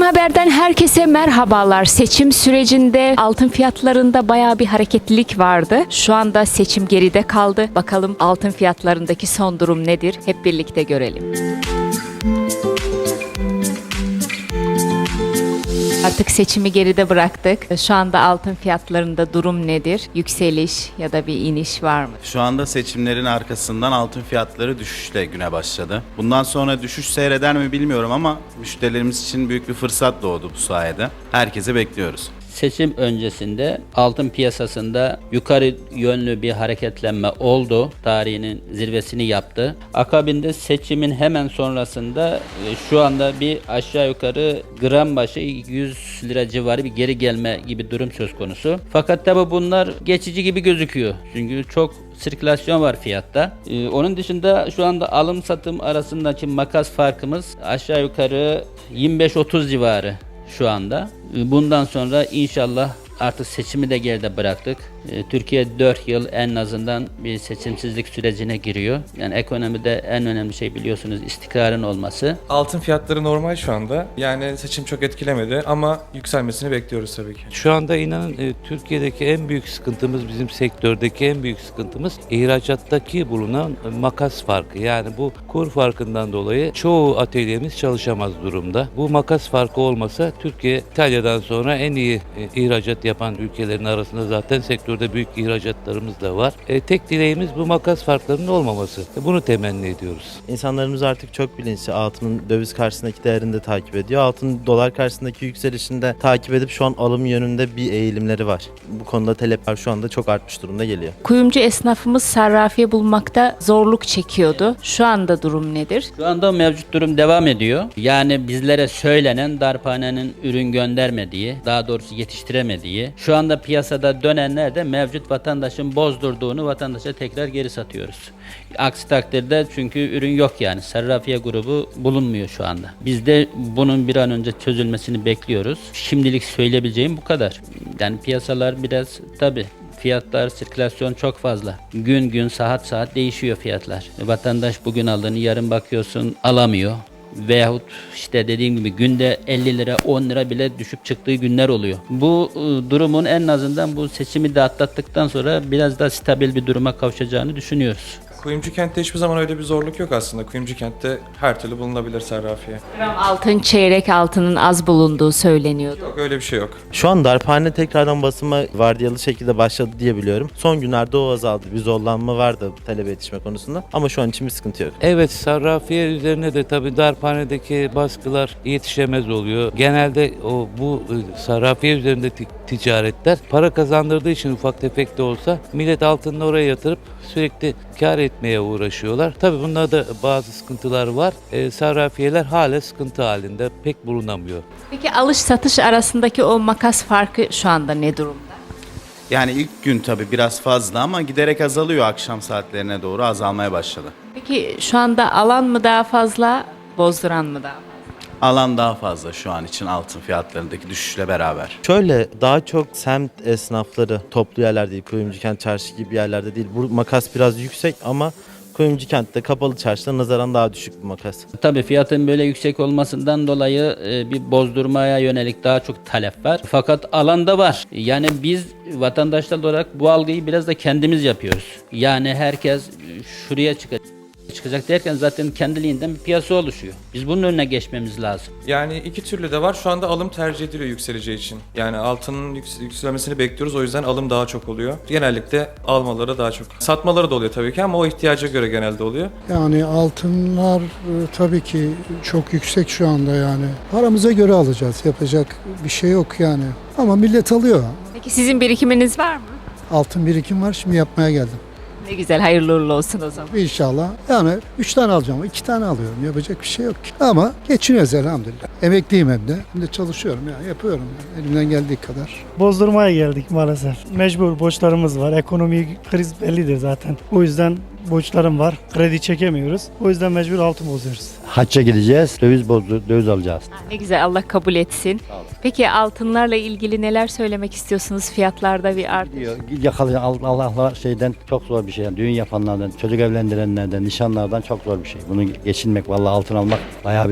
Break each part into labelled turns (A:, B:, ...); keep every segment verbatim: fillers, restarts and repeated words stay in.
A: Haber'den herkese merhabalar. Seçim sürecinde altın fiyatlarında bayağı bir hareketlilik vardı. Şu anda seçim geride kaldı. Bakalım altın fiyatlarındaki son durum nedir? Hep birlikte görelim. Artık seçimi geride bıraktık. Şu anda altın fiyatlarında durum nedir? Yükseliş ya da bir iniş var mı?
B: Şu anda seçimlerin arkasından altın fiyatları düşüşle güne başladı. Bundan sonra düşüş seyreder mi bilmiyorum ama müşterilerimiz için büyük bir fırsat doğdu bu sayede. Herkese bekliyoruz.
C: Seçim öncesinde altın piyasasında yukarı yönlü bir hareketlenme oldu. Tarihinin zirvesini yaptı. Akabinde seçimin hemen sonrasında e, şu anda bir aşağı yukarı gram başı yüz lira civarı bir geri gelme gibi durum söz konusu. Fakat tabi bunlar geçici gibi gözüküyor. Çünkü çok sirkülasyon var fiyatta. Ee, onun dışında şu anda alım satım arasındaki makas farkımız aşağı yukarı yirmi beş otuz civarı şu anda. Bundan sonra inşallah artık seçimi de geride bıraktık. Türkiye dört yıl en azından bir seçimsizlik sürecine giriyor. Yani ekonomide en önemli şey biliyorsunuz istikrarın olması.
D: Altın fiyatları normal şu anda. Yani seçim çok etkilemedi ama yükselmesini bekliyoruz tabii ki.
E: Şu anda inanın e, Türkiye'deki en büyük sıkıntımız, bizim sektördeki en büyük sıkıntımız ihracattaki bulunan e, makas farkı. Yani bu kur farkından dolayı çoğu atölyemiz çalışamaz durumda. Bu makas farkı olmasa Türkiye İtalya'dan sonra en iyi e, ihracat yapan ülkelerin arasında zaten sektörde büyük ihracatlarımız da var. E, tek dileğimiz bu makas farklarının olmaması. E, bunu temenni ediyoruz.
F: İnsanlarımız artık çok bilinçli. Altının döviz karşısındaki değerini de takip ediyor. Altın dolar karşısındaki yükselişini de takip edip şu an alım yönünde bir eğilimleri var. Bu konuda talepler şu anda çok artmış durumda geliyor.
A: Kuyumcu esnafımız sarrafiye bulmakta zorluk çekiyordu. Şu anda durum nedir?
C: Şu anda mevcut durum devam ediyor. Yani bizlere söylenen darphanenin ürün göndermediği, daha doğrusu yetiştiremediği, şu anda piyasada dönenler de mevcut vatandaşın bozdurduğunu vatandaşa tekrar geri satıyoruz. Aksi takdirde çünkü ürün yok yani. Sarrafiye grubu bulunmuyor şu anda. Biz de bunun bir an önce çözülmesini bekliyoruz. Şimdilik söyleyebileceğim bu kadar. Yani piyasalar biraz tabii fiyatlar, sirkülasyon çok fazla. Gün gün, saat saat değişiyor fiyatlar. Vatandaş bugün aldığını yarın bakıyorsun alamıyor. Veyahut işte dediğim gibi günde elli lira on lira bile düşüp çıktığı günler oluyor. Bu e, durumun en azından bu seçimi de atlattıktan sonra biraz daha stabil bir duruma kavuşacağını düşünüyoruz.
D: Kuyumcu kentte hiçbir zaman öyle bir zorluk yok aslında. Kuyumcu kentte her türlü bulunabilir sarrafiye.
A: Gram altın, çeyrek altının az bulunduğu söyleniyordu.
D: Yok öyle bir şey yok.
F: Şu an darphane tekrardan basıma vardiyalı şekilde başladı diye biliyorum. Son günlerde o azaldı. Bir zorlanma vardı talebe yetişme konusunda ama şu an için bir sıkıntı yok.
E: Evet, sarrafiye üzerine de tabii darphanedeki baskılar yetişemez oluyor. Genelde o bu e, sarrafiye üzerinde ti- ticaretler para kazandırdığı için ufak tefek de olsa millet altını oraya yatırıp sürekli kar etmeye uğraşıyorlar. Tabii bunlarda bazı sıkıntılar var. E, sarrafiyeler hala sıkıntı halinde pek bulunamıyor.
A: Peki alış satış arasındaki o makas farkı şu anda ne durumda?
B: Yani ilk gün tabii biraz fazla ama giderek azalıyor, akşam saatlerine doğru azalmaya başladı.
A: Peki şu anda alan mı daha fazla, bozduran mı daha fazla?
B: Alan daha fazla şu an için altın fiyatlarındaki düşüşle beraber.
F: Şöyle daha çok semt esnafları toplu yerler değil, kuyumcu kent çarşı gibi yerlerde değil. Bu makas biraz yüksek ama kuyumcu kentte kapalı çarşıda nazaran daha düşük bir makas.
C: Tabii fiyatın böyle yüksek olmasından dolayı e, bir bozdurmaya yönelik daha çok talep var. Fakat alanda var. Yani biz vatandaşlar olarak bu algıyı biraz da kendimiz yapıyoruz. Yani herkes şuraya çıkacak. çıkacak derken zaten kendiliğinden bir piyasa oluşuyor. Biz bunun önüne geçmemiz lazım.
D: Yani iki türlü de var. Şu anda alım tercih ediliyor yükseleceği için. Yani altının yüks- yükselmesini bekliyoruz. O yüzden alım daha çok oluyor. Genellikle almaları daha çok. Satmaları da oluyor tabii ki ama o ihtiyaca göre genelde oluyor.
G: Yani altınlar e, tabii ki çok yüksek şu anda yani. Paramıza göre alacağız. Yapacak bir şey yok yani. Ama millet alıyor.
A: Peki sizin birikiminiz var mı?
G: Altın birikim var. Şimdi yapmaya geldim.
A: Ne güzel, hayırlı uğurlu olsun o zaman.
G: İnşallah. Yani üç tane alacağım. iki tane alıyorum. Yapacak bir şey yok ki. Ama geçiniyoruz elhamdülillah. Emekliyim hem de. Hem de çalışıyorum yani. Yapıyorum yani. Elimden geldiği kadar.
H: Bozdurmaya geldik maalesef. Mecbur borçlarımız var. Ekonomik kriz bellidir zaten. O yüzden borçlarım var. Kredi çekemiyoruz. O yüzden mecbur altın bozuyoruz.
I: Hacca gideceğiz, döviz bozdu, döviz alacağız.
A: Ha, ne güzel, Allah kabul etsin. Peki altınlarla ilgili neler söylemek istiyorsunuz? Fiyatlarda bir artış.
I: Yakalı Allah'la şeyden çok zor bir şey. Yani düğün yapanlardan, çocuk evlendirenlerden, nişanlardan çok zor bir şey. Bunu geçinmek, vallahi altın almak bayağı bir zor.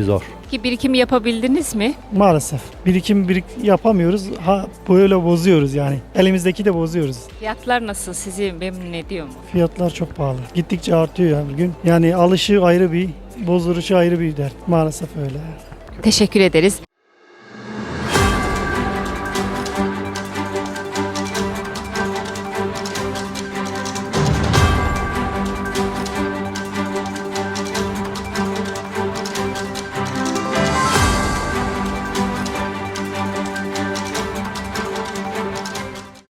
A: Ki birikim yapabildiniz mi?
H: Maalesef. Birikim birik yapamıyoruz. Ha böyle bozuyoruz yani. Elimizdeki de bozuyoruz.
A: Fiyatlar nasıl? Sizi memnun ediyor mu?
H: Fiyatlar çok pahalı. Gittikçe artıyor ya bugün. Yani alışı ayrı bir, bozduruşu ayrı bir dert. Maalesef öyle.
A: Teşekkür ederiz.